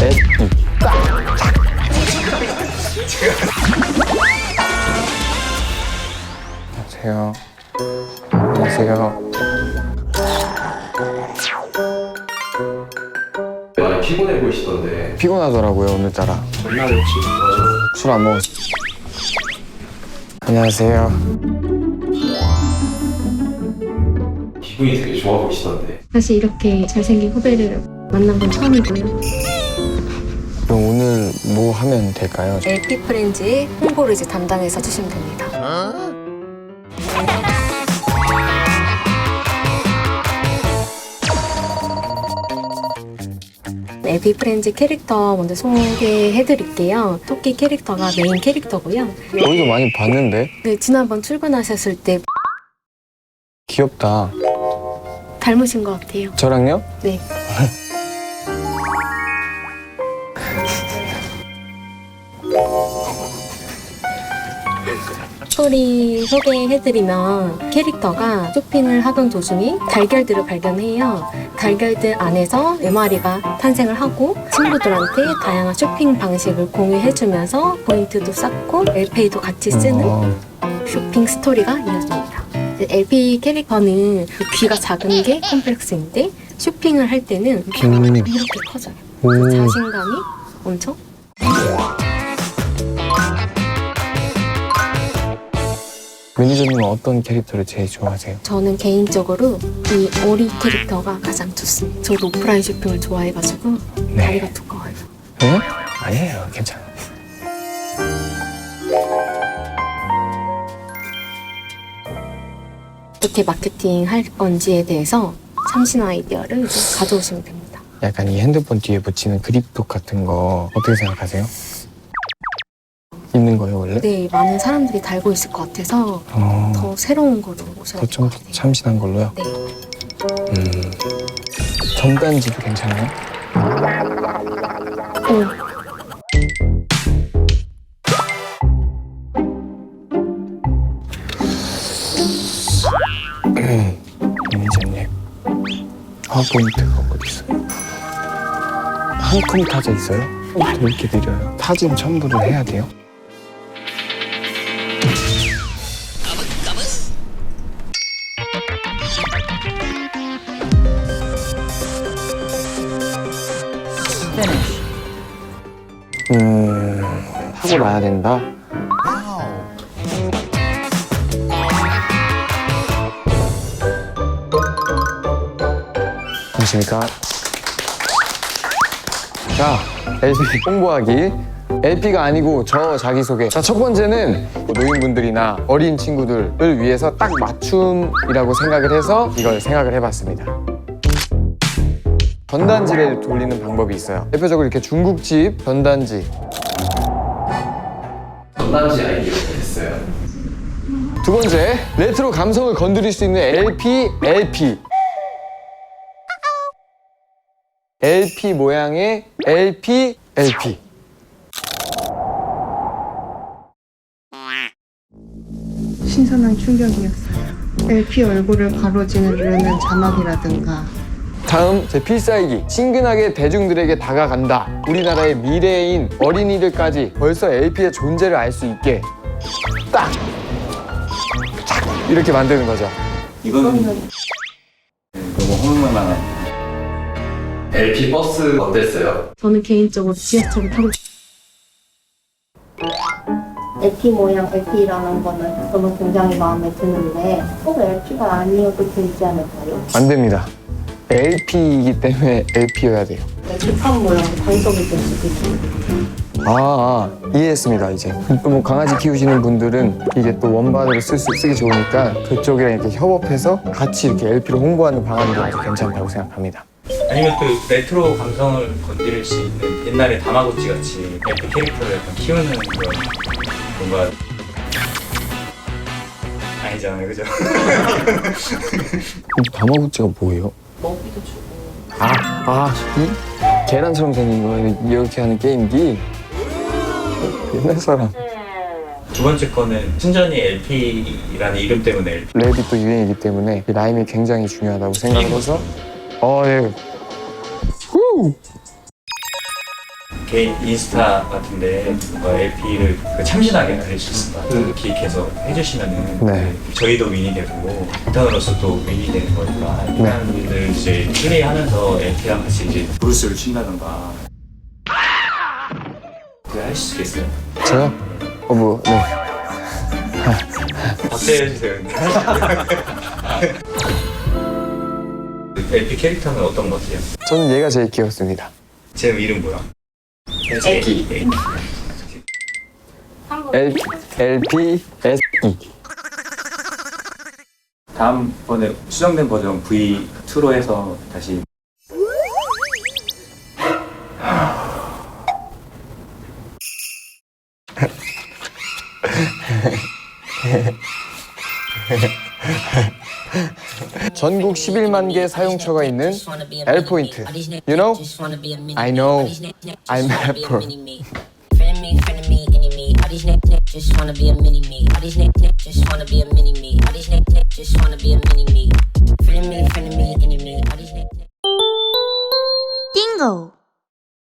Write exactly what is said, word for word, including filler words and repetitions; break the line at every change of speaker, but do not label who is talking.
에피. 안녕하세요. 안녕하세요.
많이 피곤해 보이시던데.
피곤하더라고요, 오늘따라.
전날 혹시 뭐
술 안 먹었어. 안녕하세요.
기분이 되게 좋아 보이시던데.
사실 이렇게 잘생긴 후배를 만난 건 처음이고요.
그럼 오늘 뭐 하면 될까요?
엘피 프렌즈의 홍보를 이제 담당해서 주시면 됩니다. 엘피 프렌즈 캐릭터 먼저 소개해드릴게요. 토끼 캐릭터가 메인 캐릭터고요.
어디서 많이 봤는데?
네, 지난번 출근하셨을 때
귀엽다.
닮으신 것 같아요.
저랑요?
네. 스토리 소개해드리면 캐릭터가 쇼핑을 하던 도중에 달걀들을 발견해요. 달걀들 안에서 네 마리가 탄생을 하고 친구들한테 다양한 쇼핑 방식을 공유해주면서 포인트도 쌓고 엘페이도 같이 쓰는
어,
쇼핑 스토리가 이어집니다. 엘피 캐릭터는 귀가 작은 게 컴플렉스인데 쇼핑을 할 때는
음.
이렇게 커져요.
오.
자신감이 엄청
매니저님은 어떤 캐릭터를 제일 좋아하세요?
저는 개인적으로 이 오리 캐릭터가 가장 좋습니다. 저도 오프라인 쇼핑을 좋아해가지고
네.
다리가 두꺼워요.
네? 아니에요. 괜찮아요.
어떻게 마케팅 할 건지에 대해서 참신 아이디어를 이제 가져오시면 됩니다.
약간 이 핸드폰 뒤에 붙이는 그립톡 같은 거 어떻게 생각하세요? 있는 거예요, 원래?
네, 많은 사람들이 달고 있을 것 같아서
어,
더 새로운 거로 오셔야 될
더좀
것 같아요.
참신한 걸로요?
네.
음. 전단지도 괜찮아요?
오,
매니저님, 파워포인트가 어디 있어요? 한 컴 타자 있어요? 왜 이렇게 느려요? 타진 첨부를 해야 돼요? 음, 타고 나야 된다? 안녕하십니까. 자, 엘피 홍보하기. 엘피가 아니고 저 자기소개. 자, 첫 번째는 노인분들이나 어린 친구들을 위해서 딱 맞춤이라고 생각을 해서 이걸 생각을 해봤습니다. 전단지를 돌리는 방법이 있어요. 대표적으로 이렇게 중국집 전단지.
전단지 아이디어가 됐어요.
두 번째, 레트로 감성을 건드릴 수 있는 엘피, 엘피. 엘피 모양의 엘피, 엘피.
신선한 충격이었어요. 엘피 얼굴을 가로지르는 자막이라든가
다음, 제 필살기. 친근하게 대중들에게 다가간다. 우리나라의 미래인 어린이들까지 벌써 엘피의 존재를 알 수 있게 딱! 착! 이렇게 만드는 거죠.
이거는 너무 허무만한. 엘피 버스 어땠어요?
저는 개인적으로 지하철을 타고
엘피 모양 엘피라는 거는 저는 굉장히 마음에 드는데 꼭 엘피가 아니어도 되지 않을까요?
안 됩니다. 엘피이기 때문에 엘피여야 돼요.
엘피판 모양 단속이 될 수도 있습니다.
아, 아, 이해했습니다, 이제. 또 뭐 강아지 키우시는 분들은 이게 또 원반으로 쓸 수, 쓰기 좋으니까 그쪽이랑 이렇게 협업해서 같이 이렇게 엘피를 홍보하는 방안도 아주 괜찮다고 생각합니다.
아니면 또 레트로 감성을 건드릴 수 있는 옛날에 다마고치 같이 엘피 캐릭터를 약간 키우는 그런 뭔가 아니잖아요, 그죠?
다마고치가 뭐예요?
먹이도 주고
아, 아, 이 계란처럼 생긴 거 이렇게 하는 게임기? 옛날 사람.
두 번째 거는 순전히 엘피라는 이름 때문에 엘피.
랩이 또 유행이기 때문에 이 라임이 굉장히 중요하다고 생각을 해서 어, 예. 후!
개인 인스타 같은데 뭔가 엘피를 참신하게 알릴 수 있습니다. 기획해서 해주시면은
네.
저희도 윈이 되고 인턴으로서도 윈이 되는 거니까 인턴들 이제 플레이하면서 엘피랑 같이 이제 브루스를 춘다던가 그거 하실 수 있겠어요?
저요? 어, 뭐, 네.
박제해주세요. 엘피 캐릭터는 어떤 것 같아요?
저는 얘가 제일 귀엽습니다.
제 이름 뭐야?
애기.
애기.
L, 엘피, 에스이.
다음번에 수정된 버전 브이 투로 해서 다시
전국 십일만 개 사용처가 있는 L 포인트. You know? I know. I'm Apple.
Friend me, friend me, enemy. All these niggas just wanna be a mini me. All these niggas just wanna be a mini me. All these niggas just wanna be a mini